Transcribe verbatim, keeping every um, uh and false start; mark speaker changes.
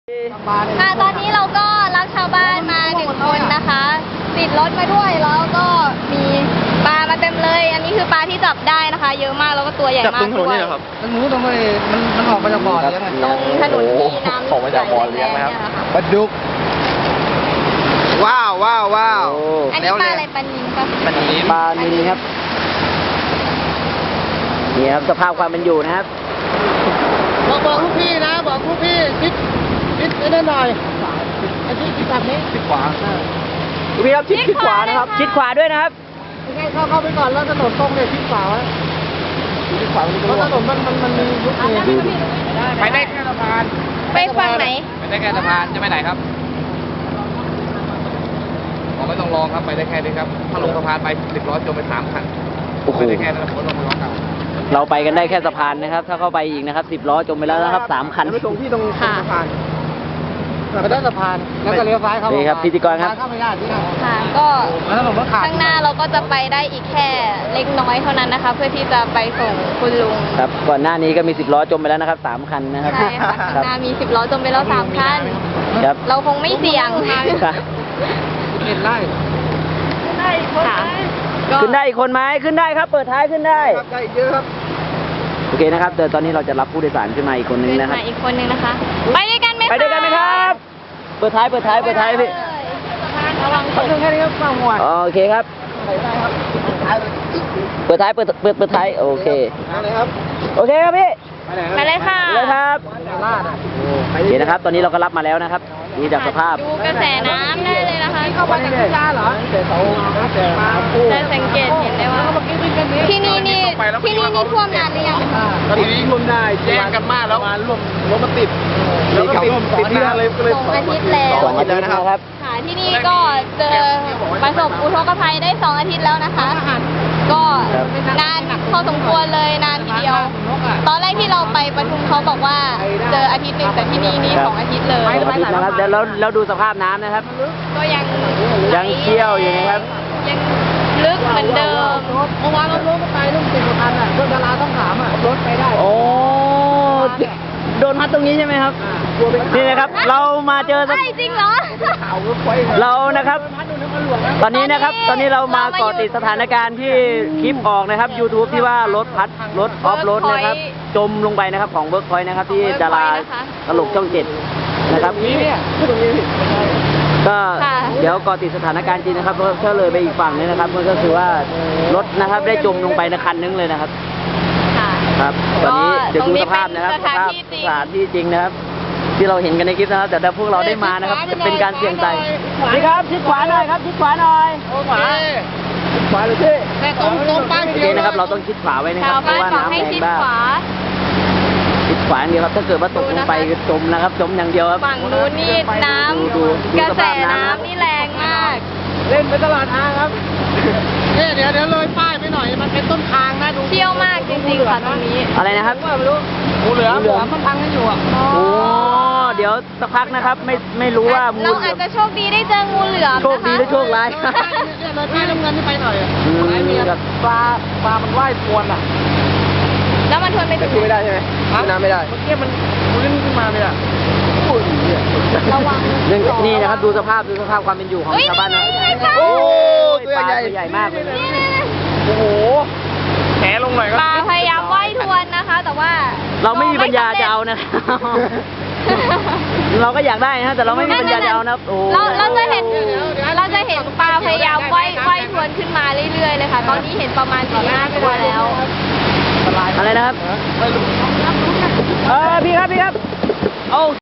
Speaker 1: ค่ะตอนนี้เราก็รับชาวบ้านมาหนึ่งคนนะคะติดรถมาด้วยแล้วก็มีปลามาเต็มเลย อันนี้คือปลาที่จับได้นะคะ เยอะมากแล้วก็ตัวใหญ่มากด้วย
Speaker 2: มันรู้ตรงนี้มันมันออกมาจากบ่อเลี้ยงไง
Speaker 1: ตรงถนนที่น้ำ
Speaker 3: ออกมาจากบ่อเลี้ยงนะครับ
Speaker 2: ปลาดุกว้าวว้าวว้าว
Speaker 1: อันนี้ปลาอะไรปลานิลปะ
Speaker 3: ปลานิล
Speaker 4: ปลานิลครับนี่ครับสภาพความเป็นอยู่นะครับ
Speaker 2: บอกบอกลูกพี่นะบอกลูกพี่คิดคิดได้หน่อยไอ้ที่คิดแบบนี้คิดขวา
Speaker 4: พี่ครับชิดชิดขวานะครับ ชิดขวาด้วยนะครับ
Speaker 2: ไม่ใช่เข้าเข้าไปก่อนแล้วถนนตรงเนี่ยคิดขวาไว้คิดขวาเพราะถนนมันมันมันมียุคนี้ไปได้แค่สะพาน
Speaker 1: ไปฝั่งไหน
Speaker 3: ไปได้แค่สะพานจะไปไหนครับผมไม่ต้องลองครับไปได้แค่นี้ครับถ้าลงสะพานไปสิบล้อจมไปสามคัน
Speaker 4: โอ้โห
Speaker 3: ไปได้แค่นั้นผมลงมาล้อเก่า
Speaker 4: เราไปกันได้แค่สะพานนะครับ ถ้าเข้าไปอีกนะครับสิบล้อจมไปแล้วนะครับสามคัน
Speaker 2: ไปตรงที่ตรงสะพานไปได้สะพานแล้วก็เลี้ยวซ้ายเข้า
Speaker 4: นี่ครับพิธีกรครับ
Speaker 2: เข้าไม่ได้ที่นั่น
Speaker 1: ค่ะก็
Speaker 2: แล้วถนนมันขาด
Speaker 1: ข้างหน้าเราก็จะไปได้อีกแค่เล็กน้อยเท่านั้นนะคะ เพื่อที่จะไปส่งคุณลุง
Speaker 4: ครับก่อนหน้านี้ก็มีสิบล้อจมไปแล้วนะครับสามคันนะครับ
Speaker 1: ใช่ค่ะข้าง
Speaker 4: ครับ
Speaker 1: หน้ามีสิบล้อจมไปแล้วสามคัน
Speaker 4: ครับ
Speaker 1: เราคงไม่เสี่ยง
Speaker 4: ครับ
Speaker 2: เห็นไล่
Speaker 1: ค่ะก็
Speaker 4: ขึ้นได้อีกคนไหมขึ้นได้ครับ เปิดท้ายขึ้นได้
Speaker 2: ครับได้เยอะครับ
Speaker 4: โอเคนะครับเดี๋ยวตอนนี้เราจะรับผู้โดยสารขึ้นมาอีกคนนึง
Speaker 1: ขึ้น
Speaker 4: นะครับ
Speaker 1: มาอีกคนนึงนะคะ ไปด้วยกันไหมคะ
Speaker 4: ไปด้วยกันไหมครับ เปิดท้ายเปิดท้ายเปิดท้ายพี่
Speaker 1: ระวังต
Speaker 2: เขา
Speaker 1: ก
Speaker 2: เรื่องแค่นี้ครับฟังหัว
Speaker 4: โอเคครับ เปิดท้ายเปิดเปิดเปิดท้ายโอเค
Speaker 2: อะไรครับ
Speaker 4: โอเคครับพี่
Speaker 1: ไปเลยค่ะ
Speaker 4: เลยครับ
Speaker 2: ลาดอ่ะ
Speaker 4: โอเคนะครับ ตอนนี้เราก็รับมาแล้วนะครับดูจากสภาพ
Speaker 1: ดูกระแสน้ำได้เลยนะคะ
Speaker 2: เข้ามาจากพิจาเหรอแต่เขาแต่มาปู
Speaker 1: จะสังเกตเห็นได้ว่า ที่นี่นี่ที่นี่นี่ท่วมนานหรือยัง
Speaker 2: ตอนนี้รวมได้แย่งกันมากแล้วมารวมรถมาติดแล้วก็ติดติดที่นั่นเลยก็เลย
Speaker 1: สองอาทิตย์แล้ว
Speaker 4: สองอาทิตย์นะครับ
Speaker 1: ค่ะที่นี่ก็เจอประสบอุทกภัยได้สองอาทิตย์แล้วนะคะ ก็นานพอสมควรเลยนานทีเดียว ตอนแรกที่เราไปปทุมเขาบอกว่าเจออาทิตย์หนึ่งแต่ที่นี่นี่สองอาทิตย์เลย
Speaker 4: สองอาทิตย์นะครับแล้วแล้วแล้วดูสภาพน้ำนะครับ
Speaker 1: ก็ยัง
Speaker 4: ยังเชี่ยวอยู่นะครับ
Speaker 1: ยังลึกเหมือนเดิม
Speaker 2: เมื่อวานเรารถก็ไปรุ่งสิบกว่าคันอ่ะรถดาราต้องถามอ่ะรถไปได้
Speaker 4: โอ้โดนพัดตรงนี้ใช่ไหมครับนี่นะครับ เรามาเจอส
Speaker 1: ใช่จริงเหรอ
Speaker 2: ข่าวรถไฟ
Speaker 4: เรานะครับ ตอนนี้นะครับ ตอนนี้เรามาเกาะติดสถานการณ์ที่คลิปออกนะครับ YouTube ที่ว่ารถพัดรถออฟรถนะครับ จมลงไปนะครับของเวิร์กพอยต์นะครับ ที่ดาราตลกช่องเจ็ดนะครับ
Speaker 2: นี้เนี่ยตรงนี้
Speaker 4: ก็เดี๋ยวเกาะติดสถานการณ์จริงนะครับเพราะถ้าเลยไปอีกฝั่งนี้นะครับมันก็คือว่ารถนะครับได้จมลงไปในคันนึงเลยนะครับ
Speaker 1: ค่ะ
Speaker 4: ครับตอนนี้เดี๋ยวดูสภาพนะครับ
Speaker 1: ตรงนี้เป็นสถาน
Speaker 4: สภาพ
Speaker 1: ที่จริง
Speaker 4: สถานที่จริงนะครับ ที่เราเห็นกันในคลิปนะครับ แต่ถ้าพวกเราได้มานะครับจะเป็นการเสี่ยงใจนี่ครับชิดขวาหน่อยครับชิดขวาหน่อย
Speaker 2: โอ้ขวาขวาเลยพี่แต่ตรงตรงป้าย
Speaker 4: โอ
Speaker 2: เขี
Speaker 4: เค
Speaker 2: ยว
Speaker 4: นะครับ เราต้องชิดขวาไว้นะค
Speaker 1: ชา
Speaker 4: รั
Speaker 1: ว
Speaker 4: บเพ
Speaker 1: บ้าน
Speaker 4: ราะว่า
Speaker 1: บอก
Speaker 4: น้ำ
Speaker 1: ให้
Speaker 4: แรง
Speaker 1: ชิด
Speaker 4: มาก
Speaker 1: ขวา
Speaker 4: ชิดขวาอย่างเดียวครับถ้าเกิดว่าตกลงไปก็จมนะครับ จมอย่างเดียวครับ
Speaker 1: ฝั่งนู้นนี่น้
Speaker 4: ดูดู
Speaker 1: ำ
Speaker 4: ดู
Speaker 1: กระ
Speaker 4: ส
Speaker 1: แส
Speaker 4: ภาพน้ำ
Speaker 1: น้ำนี่แรงมาก
Speaker 2: เล่นไปตลาดอาครับเนี่ยเดี๋ยวเดี๋ยวเลยป้ายไปหน่อยมันเป็นต้นทางนะดู
Speaker 1: เชี่ยวมากจริงๆค่ะตรงนี้
Speaker 4: อะไรนะครับ
Speaker 2: ว่าไม่รู้งูเหลือมเหลือมมันพังกันอยู่อ่ะ
Speaker 4: โอ้เดี๋ยวสักพักนะครับ ไม่ไม่รู้ว่ามู
Speaker 1: เรา
Speaker 4: ลเหลื
Speaker 1: อา
Speaker 4: อ
Speaker 1: จ
Speaker 4: ม
Speaker 1: จะโชคดีได้เจองูเหลือม
Speaker 4: โชคดีหรือโชคร้าย
Speaker 2: เนี่ยเลยป้ายน้ำเงินที่ไปหน่อยอ่ะ
Speaker 4: อืม
Speaker 2: ไหนมีปลาปลามันว่ายทวนอ่ะ
Speaker 1: แล้วมันทวนไปถึง
Speaker 2: ไม่ได้ใช่ไหมน้ำไม่ได้เมื่อกี้มันลื่นขึ้นมาเลยอ่ะ
Speaker 1: ระวัง
Speaker 4: นี่นี่นะครับดูสภาพดูสภาพความเป็นอยู่ของ
Speaker 1: เฮ้ย
Speaker 4: ชาวบ้านนะ
Speaker 1: นี่ไงคะ
Speaker 4: โอ้
Speaker 2: ตัวใหญ่
Speaker 4: ปลาตัวใหญ่มากเลย
Speaker 2: โอ้โหแหลงหน่อยก็
Speaker 1: ปลาพยายามว่ายทวนนะคะ แต่ว่า
Speaker 4: เราไม่มีปัญญาจะเอานะครับ เราก็อยากได้นะแต่เราไม่มีปัญญาจะเอานะครับโอ้
Speaker 1: เราเราจะเห็นเราจะเห็นปลาพยายามว่ายว่ายทวนขึ้นมาเรื่อยๆเลยค่ะ ตอนนี้เห็นประมาณสี่ห้าตัวแล้ว
Speaker 4: อะไรนะครับเออพี่ครับพี่ครับโอ้